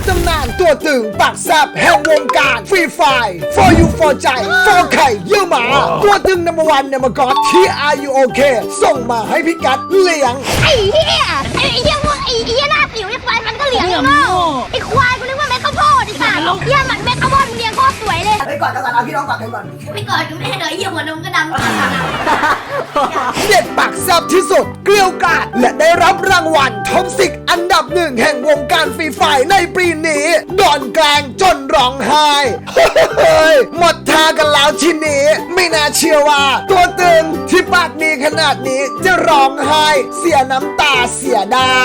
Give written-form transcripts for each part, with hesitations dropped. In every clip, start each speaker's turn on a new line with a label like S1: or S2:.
S1: ตำนานตัวตึงปากแซบแห่งวงการฟรีไฟ for you for ใจ for ไข่เยี่ยวหมาตัวตึงนัมเบอร์วันเนมกอดที่ Are you okay ส่งมาให้พี่กัดเลี้ยง
S2: ไอ้เหี้ยไอ้เหี้ยพวกไอ้เหี้ยหน้าสิวไอ้ควายมันก็เหลียงโง่ไอ้ควายกูนึกว่าเม็ดข้าวโพดไอ้สัตว์เหี้ยมันเม็ดข้าวโพดมึงเลี้ยงโคตรสวยเลย
S1: ไปก่อนเอาพี่น้องก่อนก่อน
S2: ไม่กอดกูไม่ได้เลยเหี้ยหัวนมก็ดำ
S1: เด็ดปากแซบที่สุดเกลียวกราดและได้รับรางวัลท็อป10อันดับ1แห่งวงการฟรีไฟในปีนี้โดนแกล้งจนร้องไห้หมดท่ากันแล้วทีนี้ไม่น่าเชื่อว่าตัวตึงที่ปากดีขนาดนี้จะร้องไห้เสียน้ำตาเสียได้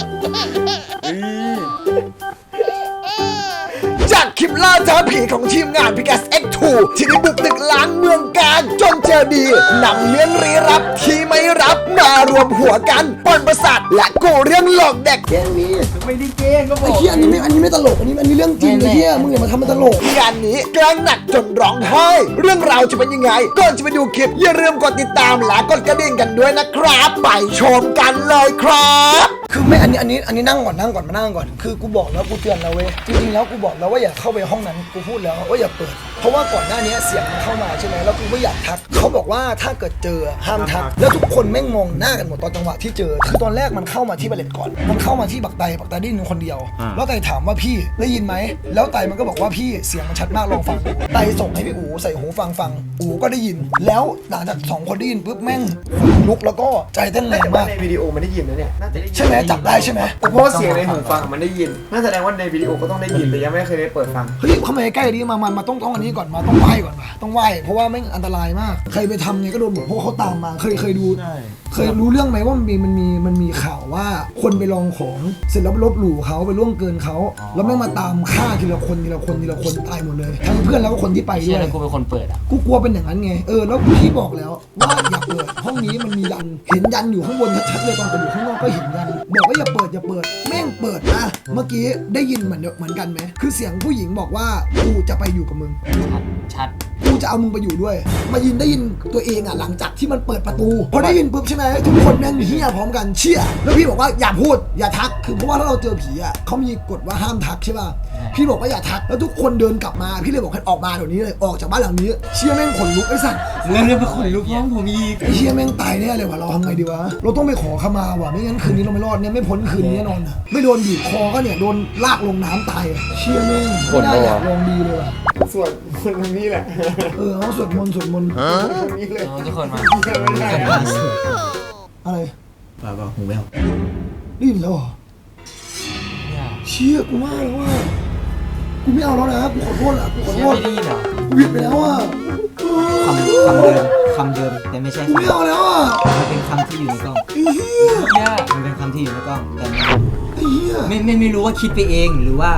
S1: จากคลิปล่าท้าผีของทีมงานพิกัส X2 ที่ได้บุกตึกล้างเมืองการจนเจอดีนำเรื่องลี้ลับที่ไม่รับมารวมหัวกันปนประสาทและกูเรื่องหลอกเด็ก
S3: แกล้งนี้
S4: ไม่ได้แกล้งก็บอก
S3: ไอ้เหี้ยอันนี้ไม่ตลกอันนี้เรื่องจริงไอ้เหี้ยมึงอย่ามาทำมันตลก
S1: งานนี้แกล้งหนักจนร้องไห้เรื่องราวจะเป็นยังไงก่อนจะไปดูคลิปอย่าลืมกดติดตามและกดกระดิ่งกันด้วยนะครับไปชมกันเลยครับ
S3: คือไม่อันนี้นั่งก่อนมานั่งก่อนคือกูบอกแล้วกูเตือนแล้วเว้ยจริงๆแล้วกูบอกแล้วว่าอย่าเข้าไปห้องนั้นกูพูดแล้วว่าอย่าเปิดเพราะว่าก่อนหน้านี้เสียงมันเข้ามาใช่ไหมแล้วกูก็อยากทักเขาบอกว่าถ้าเกิดเจอห้ามทักแล้วทุกคนแม่งมองหน้ากันหมดตอนจังหวะที่เจอคือตอนแรกมันเข้ามาที่บัลเลตก่อนมันเข้ามาที่บักไตได้ยินคนเดียวแล้วไตถามว่าพี่ได้ยินไหมแล้วไตมันก็บอกว่าพี่เสียงมันชัดมากลองฟังดูไตส่งให้พี่อู๋ใส่หูฟังอู๋ก็ได้ยินแล้วหลังจาก2คนได้ยินปุ๊บแม่งลุกแล้วก็ใจเต้นแรงมาก
S4: ในวิดีโอมันได้ยินนะเนี่ย
S3: ใช่ไหมจับได้ใช่ไหม
S4: เพราะเสียงในหูฟังมันได้ยินนั่นแสดงว่าในวิดีโอก็ต้องได้ยินแต่ยังไม่เคยได้เปิดฟัง
S3: เฮ้ยเข้ามาใกล้ๆดิมาต้องอันนี้ก่อนมาต้องไหว้ก่อนมาต้องไหว้เพราะว่าไม่อันตรายมากใครไปทำไงก็โดนหมดเพราะเขาตามมาเคยดูเคยรู้เรื่องไหมว่ามันมีข่าวว่าคนไปลองของเสร็จแล้วลบหลู่เขาไปล่วงเกินเขาแล้วไม่มาตามฆ่าทีละคนตายหมดเลยทั้งเพื่อนแล้วก็คนที่ไปด้วย
S5: กูเป็นคนเปิดอ่ะ
S3: กูกลัวเป็นอย่างนั้นไงแล้วพี่บอกแล้วว่าอย่าเปิดห้องนี้มันมียันเห็นยันอยู่ข้างบนชัดๆเลยตอนอยู่ข้างนอกก็เห็นยันบอกว่าอย่าเปิดแม่งเปิดนะเมื่อกี้ได้ยินเหมือนกันไหมคือเสียงผู้หญิงบอกว่ากูจะไปอยู่กับมึง
S5: ชัด
S3: กูจะเอามึงไปอยู่ด้วยมาได้ยินตัวเองอ่ะหลังจากที่มันเปิดประตูพอได้ยินปุ๊บใช่ไหมทุกคนแม่งเฮี้ยพร้อมกันเชี่ยแล้วพี่บอกว่าอย่าพูดอย่าทักคือเพราะว่าถ้าเราเจอผีอ่ะเขามีกฎว่าห้ามทักใช่ป่ะพี่บอกว่าอย่าทักแล้วทุกคนเดินกลับมาพี่เลยบอกให้ออกมาเดี๋ยวนี้เลยออกจากบ้านหลังนี้เชี่ยแม่งขนลุกไอ้สัตว์
S5: เรื่องเป็นขนลุกน้องผมอีก
S3: ไอ้เชี่ยแม่งตายแน่เลยว่ะเราทำไงดีวะเราต้องไปขอขมาว่ะไม่งั้นคืนนี้เราไม่รอดเนี่ยไม่พ้นคืนนี้แน่นอนไม่โดนบีบคอก็เนี่ยโดนลากลงน้ำตายเชี่ยแม่งไม่ได้อยากลองดีเลยว่ะ
S4: สวดมนต์นี้แหละ
S3: เขาสวดมนต์
S4: นี้เลย
S5: ทุกคนมา
S3: อะไร
S5: บ้าหูแวว
S3: ได้ยินแล้วเหรอเชี่ยกูว่าแล้วว่ากูไม่เอาแล้วนะกูขอโทษอ่ะกูขอโทษ
S5: ไม่ดีเหรอ
S3: กูผิดไปแล้วอ่ะ
S5: คำเดิมแต่ไม่ใช่
S3: กูไม่เอาแล้วอ่ะ
S5: มันเป็นคำที่อยู่ในกล้องมันเป็นคำที่อยู่ในกล้องแต่ไม่รู้ว่าคิดไปเองหรือว่า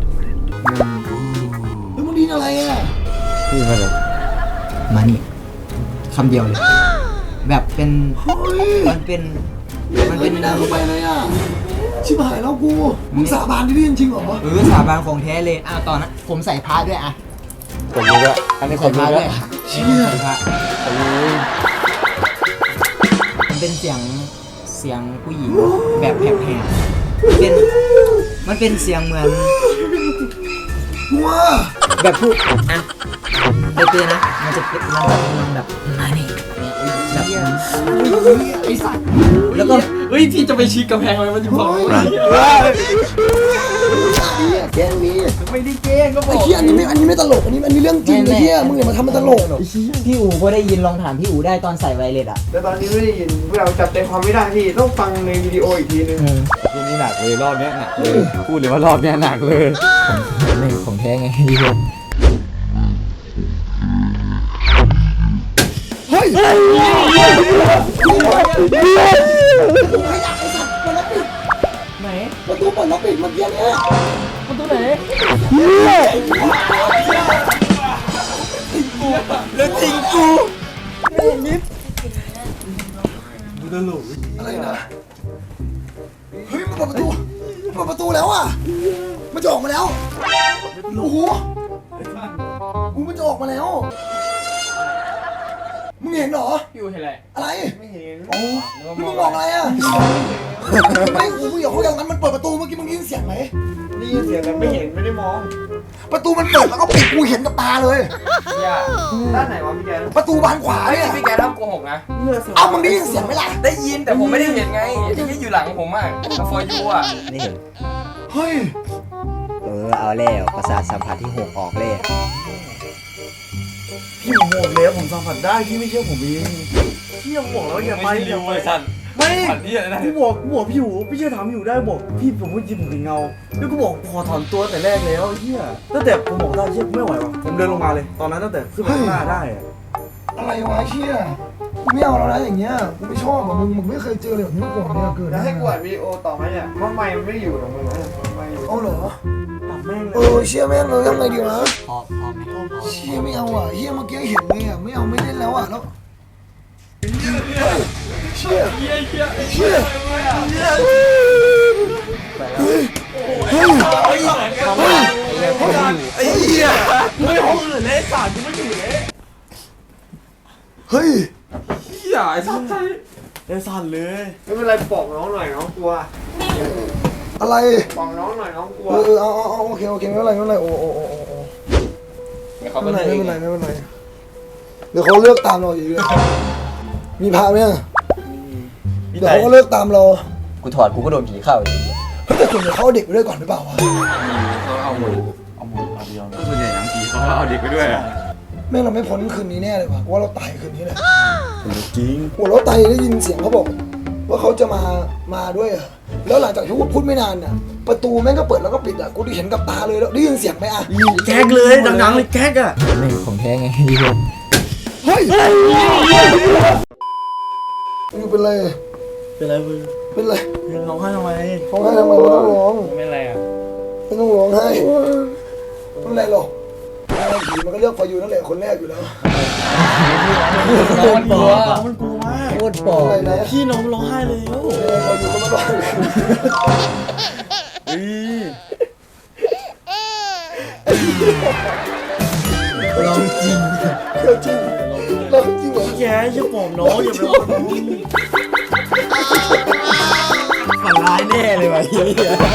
S3: แล้วมึงดีอะไรอ่ะ
S5: คืออะไรมานี่คำเดียวเลยแบบเป็นมันเป็น
S3: น่าเข้าไปเลยอ่ะชิบหายแล้วกูมึงสาบานที่นี่จริงเหรอ
S5: สาบานของแท้เลยตอนนั้นผมใส่พระด้วย
S4: ผมรู้แล้วอันนี้ผมรู้แล้ว
S3: เชี่ย
S5: มันเป็นเสียงผู้หญิงแบบแผลบมันเป็นเสียงเหมือน
S3: ว้า
S5: แบบพูดไปเตือนนะมันจะแบบมานี่แบบ
S3: ไอ้สัตว์
S5: แล้วก็พี่จะไปชี้กำแพงอะไรมันจะบอก
S3: แกล้งนี้
S4: ไม่ได้แกล้งก็บอก
S3: ไอ้เหี้ยอันนี้ไม่ตลกอันนี้เรื่องจริงไอ้เหี้ยมึงอย่ามาทำมันตลก
S5: พี่อู๋ก็ได้ยินลองถามพี่อู๋ได้ตอนใส่ไวเลส
S4: แต่ตอนนี้ไม่ได้ยินเราจับใจความไม่ได้พี่ต้องฟังในวิดีโออีกทีนึง
S6: ทีนี้หนักเลยรอบนี้หนักเลยพูดเลยว่ารอบนี้หนักเลย
S5: ไม่ของแท้ไงพี่
S3: เฮ้ย
S5: ไหน
S3: ประตูเปิดแล้วปิดเมื่อกี้เนี่ย
S5: ประตูไหน
S3: แล้วจริงกูนิด
S4: ตลก
S3: อะไรนะเฮ้ยมันเปิดประตูแล้วอ่ะมันจะออกมาแล้วโอ้โหมันจะออกมาแล้วมึงเห็นเหรอ
S4: อยู่เห็นอะไรไม่เห็น
S3: โอ้มึงมองอะไรอ่ะไม่กูอยากคุยกับมันเปิดประตูเมื่อกี้มึงได้ยินเสียงไหม
S4: ได้ได้ยินเสียงแต่ไม่เห็นไม่ได้มอง
S3: ประตูมันเปิดแล้วก็ปิดกูเห็นกับตาเลย
S4: อย่าด้านไหนวะพี่แก
S3: ประตูบานขวาเนี่ย
S7: พี่แกทำโกหกนะ
S3: เอามึงได้ยินเสียงไหมล่ะ
S7: ได้ยินแต่ผมไม่ได้เห็นไงที่อยู่หลังผมอ่ะกับฟอร์ยูอ่ะ
S5: นี่
S3: เฮ้ย
S5: เอาแล้วประสาทสัมผัสที่6ออกเลย
S8: พี่ผมบอกแล้วผมสัมผัสได้พี่ไม่เชื่อผมเองพี่ยังบอกแล้วอย่าไปอย่าไปไม่กูบอกพี่หูพี่เชื่อถามพี่หูได้บอกพี่ผมพูดจริงผมเห็นเงาแล้วกูบอกขอถอนตัวแต่แรกแล้วเฮียตั้งแต่ผมบอกได้เชี่ยไม่ไหววะผมเดินลงมาเลย ตอนนั้นตั้งแต่ขึ้นไปข้างหน้าได้อะ
S3: อะไรวะเชี่ยกูไม่เอาแล้วนะอย่างเงี้ยกูไม่ชอบอ่ะมึงไม่เคยเจอเลยแบบนี้มาก่อนเนี่ยเกิด
S4: แล้วให้กูอัดวิดีโอต่อไหมเนี่ยเพราะไมค์มันไม่ได้อยู่ตรงมึงนะไมค์อยู่
S3: เอาเหรอ
S8: ปรับแม่งเล
S3: เอย อเชี่ยแม่งเลยทำไงดีวะ
S5: พอไหม
S3: เชี่ยไม่เอาอ่ะเฮียเมื่อกี้เห็นเลยอ่ะไม่เอาไม่เล่นแล้วอ่ะแล้วเชี่ยเชี่ยเฮ้ยเฮ้ยเฮ้ยไอ้เหี้ย
S8: ไม่ห้องอื่นเลยสารกูไม่อยู่เลย
S3: เฮ้ย
S7: อย่าไอ้สัตว์
S8: เอสั่นเลย
S4: ไม่เป็นไรบอกน้องหน่อยน้องกลัว
S3: อะไร
S4: บอกน้องหน่อยน้องกลัว
S3: เอาโอเคไม่เป็นไรไม่เป็นไรโอ้ไม่เป็นไรเดี๋ยวเขาเลือกตามเราอีกเลยมีพาไหมเดี๋ยวเขาก็เลือกตามเรา
S5: กูถอดกูก็โดนผีเข้าอีก
S3: แต่ส่วนใหญ่เขาเอาเด็กไปด้วยก่อนหรือเปล่าวะ
S6: เอาหมดส่วนใหญ่หนังผีเขาก็เอาเด็กไปด้วยอะ
S3: แม่งเราไม่พ้นคืนนี้แน่เลยวะว่าเราตายคืนนี้แหละ
S8: จริง
S3: โอ้เราตายได้ยินเสียงเขาบอก ว่าเขาจะมาด้วยอะแล้วหลังจากที่พูดไม่นานน่ะประตูแม่งก็เปิดแล้วก็ปิดอะกูได้เห็นกับตาเลยแล้วได้ยินเสียงไหมอะ
S8: แก๊กเลยดังๆเลยแก๊กอะ
S5: นี่ของแท้ไง
S3: เฮ้ยมึงเป็นไร
S8: เป็นไรมึง
S3: เป็นไร
S8: ร้องไห้ทำไม
S3: ร้องไห้ทำไมไม่ต้องร้อง
S7: ไม่อะไรอ่ะ
S3: ไม่ต้องร้องไห้ไม่เป็นไรหรอกผีมันก็เลือกพออยู่นั่นแหละคนแรกอยู่แล้ว
S8: มันกลัวมันกลัวมาก
S5: โคตรปอ
S3: อะไรนะ
S8: พี่น้องร้องไห้เลยโอ้
S3: พออยู่ก็ไม่ร้อง
S5: ลองจริง
S3: เดี๋ยวจริงเราจริงเหรอ
S8: แกอย่าปลอบน้องอย่าไปร้องน้องฝันร้ายแน่เลยวะเฮีย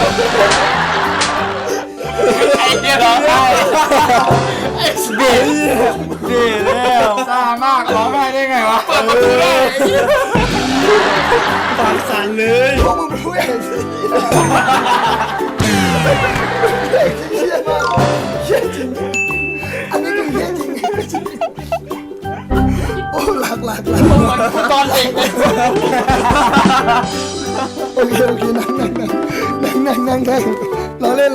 S7: ไอ้เหี้ยร้องไห้
S8: เด็ดแล้ว
S6: ซ่ามากร้องไห้ได้ไงวะ
S7: เปิดประตูได้
S8: ปากสั่นเลย
S3: พวกมึงเป็นผู้ใหญ่สิเชี่ยมากเชี่ยจริงอันนี้คือเชี่ยจริงโอ้หลัก
S7: ตอนเด็กเลย
S3: โอเคนั่งรอเล่น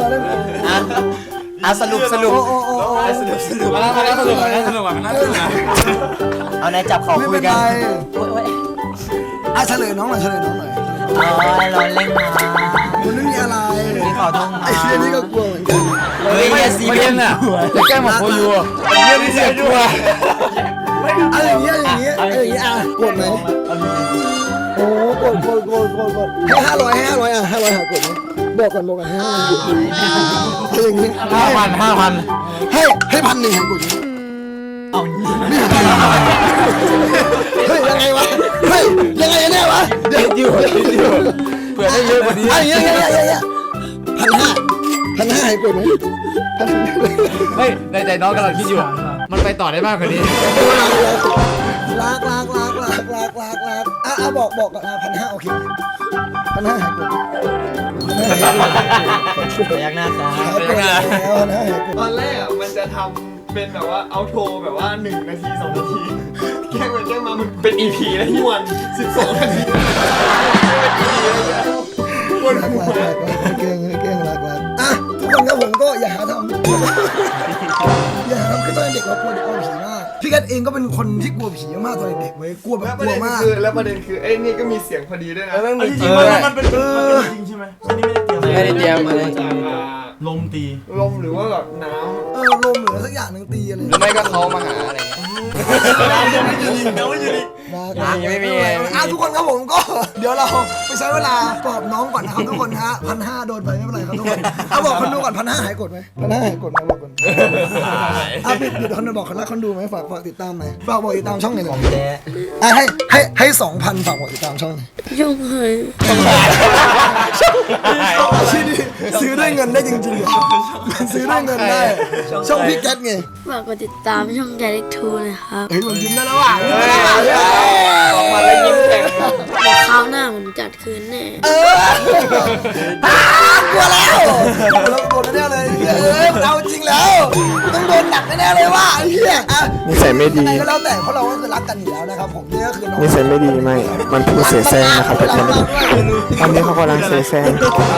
S5: สรุป
S6: มาแล้วสนุกนะสนุกอ่ะมันน่าสนุกนะ
S5: เอานายจับเขา
S3: ไม่
S5: คุ
S3: เป็
S5: ย
S3: น
S5: กั
S3: ไร
S5: น
S3: เฉลยน้องหน่อย
S5: ร้อนเล่นมา
S3: มันไม่มีอะไร
S5: พี่ขอโทษมา
S3: ไอ้เชี่ยนี่ก็กลัวเหมือนกัน
S5: เฮ้ยอย่าซีเรียสอ่ะ
S6: จะแกล้งบอกโคยูเยี่ยมที่เสียชัว
S3: อะไรอย่างเงี้ยอ่ะกดไหมโอ้กดให้500อ่ะ500หากดไหมบอกก่อน500ให้อย่างงี้
S6: 5,000
S3: ให้1,000หากดไหม
S5: เอา
S3: เฮ้ยยังไงวะเฮ้ยยังไงแน่วะเดี๋ยว
S6: เผื่อได้เยอะกว่านี้
S3: 1,500ให้กดไหม
S6: เฮ้ยในใจน้องกำลังคิดอยู่ มันไปต่อได้มากกว่านี้
S3: ลากบอกก่อน1,500โอเค1,500หากด
S5: ยักหน้าตา
S3: แล้ว1,500หากด
S4: ตอนแรกอ่ะมันจะทำเป็นแบบว่าเอาโทรแบบว่า1 นาที 2 นาทีแกล้งไปแกล้งมามันเป็น EP แล้วที่วัน12 นาที
S3: รักเก่งรักอ่ะทุกคนครับผมก็อย่าหาทำคือตอนเด็กเรากลัวผีมากพี่กัดเองก็เป็นคนที่กลัวผีมากตอนเด็กเว้ยกลัวแบบกลัวมาก
S4: แล้วประเด็นคือไอ้นี่ก็มีเสียงพอดีด้วยนะ
S8: จริงๆมันเป็นจริงใช่ไหมอันนี้ไม่ได้เตรียม
S7: ไม่ได้เตรียมอะไร
S4: จาก
S8: ลมตี
S4: ลมหรือว่าแบบน้
S3: ลมหรือสักอย่างหนึ่งตีอะไร
S7: หรือไม่ก็เขามาหาอะไรเงี้ย
S6: ไม่มี
S3: ทุกคนครับผมก็ เดี๋ยวเราไปใช้เวลาปลอบน้องก่อนนะครับทุกคนฮะ1,500โดนไปไม่เป็นไรครับทุกคนเอาบอกคนดูก่อน1,500หายกดไหม1,500หายกดไหมบอกก่อนปิดคนดูบอกคนรักคนดูไหมฝากติดตามหน่อยฝากบอกติดตามช่องหน่อยให้2,000ฝากบอกติดตามช่องหน่อย
S2: ช่องเคย
S3: ชื่อนี้ซื้อด้วยเงินได้จริงๆมันซื้อด้วยเงินได้ช่องพี่แก๊สไง
S2: ฝากกดติดตามช่องแกเล็กทูนะครับ
S3: เฮ้ยมันยิ้มได้แล้วว่ะยิ้มได้แล้วว่ะ
S7: ออกมาแล้วยิ้มแฉ่ง
S2: คราวหน้าผมจัดคืนแน่
S3: กลัวแล้วโดนแน่เลยเอาจริงแล้วต้องโดนหนักแน่เลยว่ะไอ้เหี้ยนิสัยไม่ดีก็แล้วแต่เพราะเราก็คือรักกันอยู่แล้วนะครับผมนี่ก็คือน้อง
S9: นิสัยไม่ดีไม่มันพูดเสียแซงนะครับแต่ตอนนี้เขากำลังเสียแซง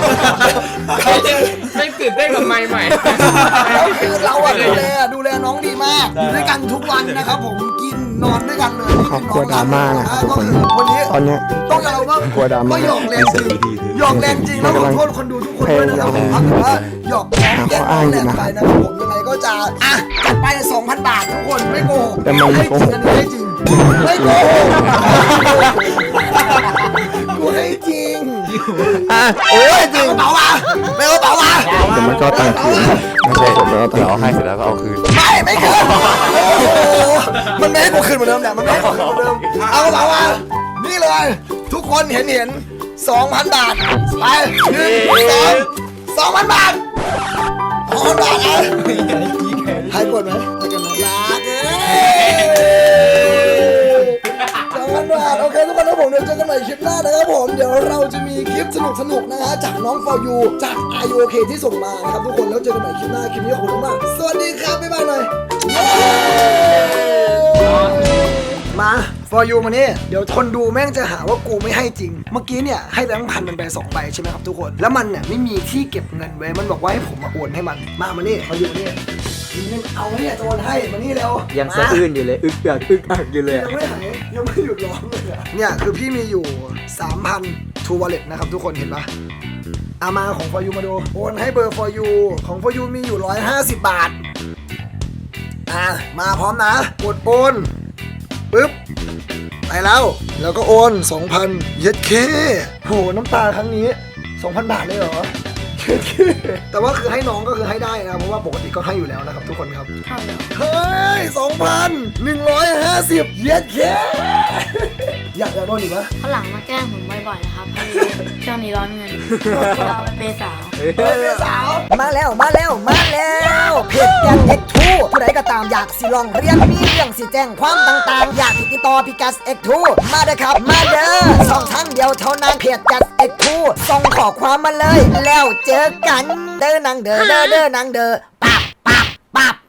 S6: ไม่ตื่นเต้นกับไม้ใหม่
S3: แล้วคือเราอะดูแลน้องดีมากอยู่ด้วยกันทุกวันนะครับผมกินนอนด้วยกันเลย
S9: ขอบคุณดราม่านะครับทุกคน
S3: วันนี้
S9: ตอนเนี้ย
S3: ต้องยอมรับว่าก
S9: ลัวดราม่า
S3: หยอกแรงจริงหยอกแรงจริงแล้วขอโทษคนดูทุกคนด้วยนะครับผมถ้าเกิดว่าหยอกแรงแย่แรงไปนะครับผมยังไงก็จะจัดไป 2,000 บาททุกคนไม่โกหก
S9: แต่มันไม่โกหก
S3: อันนี้ให้จริงไม่โกหกกูให้จริงโอ้ยจริงกระเป๋ามาไม่เอากระเป๋ามา
S9: แต่มันก็ตังค์คืนไม่ใช่ผมแล้วแต่เอาให้เสร็จแล้วก็เอาคืน
S3: ไม่คืนโอ้โหมันไม่ให้กูคืนเหมือนเดิมเนี่ยมันไม่ให้กูคืนเหมือนเดิมเอากระเป๋ามานี่เลยทุกคนเห็น 2,000 บาทไป2,000 บาท2,000 บาทให้กดไหมให้กันนะรัก2,000 บาทโอเคทุกคนนะผมเดี๋ยวเจอกันใหม่คลิปหน้านะครับผมเดี๋ยวเราจะมีคลิปสนุกนะฮะจากน้อง For You จาก IOK ที่ส่งมานะครับทุกคนแล้วเจอกันใหม่คลิปหน้าคลิปนี้ขอบคุณมากสวัสดีครับบ๊ายบายหน่อยมา For You มานี่เดี๋ยวคนดูแม่งจะหาว่ากูไม่ให้จริงเมื่อกี้เนี่ยให้แบงค์พันมันไป2ใบใช่ไหมครับทุกคนแล้วมันเนี่ยไม่มีที่เก็บเงินไว้มันบอกว่าให้ผมมาโอนให้มันมานี่ For You นี่เอาเนี่ยจะโอนให้มานี่เร็ว
S5: ยังสะอื้นอยู่เลยอึกอักอยู่เลย
S3: ยังไม่หายยังไม่หยุดร้องเลยอะเนี่ยคือพี่มีอยู่ 3,000 True Wallet นะครับทุกคนเห็นปะเอามาของ For You มาดูโอนให้เบอร์ For You ของ For You มีอยู่150 บาทมาพร้อมนะกดโอนปึ๊บไปแล้วก็โอน 2,000 เย็ดเคโหน้ำตาครั้งนี้ 2,000 บาทเลยเหรอเย็ดเคแต่ว่าคือให้น้องก็คือให้ได้นะเพราะว่าปกติก็ให้อยู่แล้วนะครับทุกคนครับเฮ้ย 2,150 เย็ดเคอยากโดนอีกปะ
S2: ข้างหลังมาแกล้งผมบ่อยๆนะครับช่วงนี้ร้อนเงินเราเป็นเปย์สาว
S3: มาแล้วเพจแกง X2 ผู้ใดก็ตามอยากสิลองเรียนมีเรื่องสิแจ้งความต่างๆอยากติดต่อพี่กัส X2 มาเด้อครับมาเด้อ2 ทางเดียวเท่านั้นเพจกัส X2 ส่งขอความมาเลยแล้วเจอกันเด้อนางเด้อปับ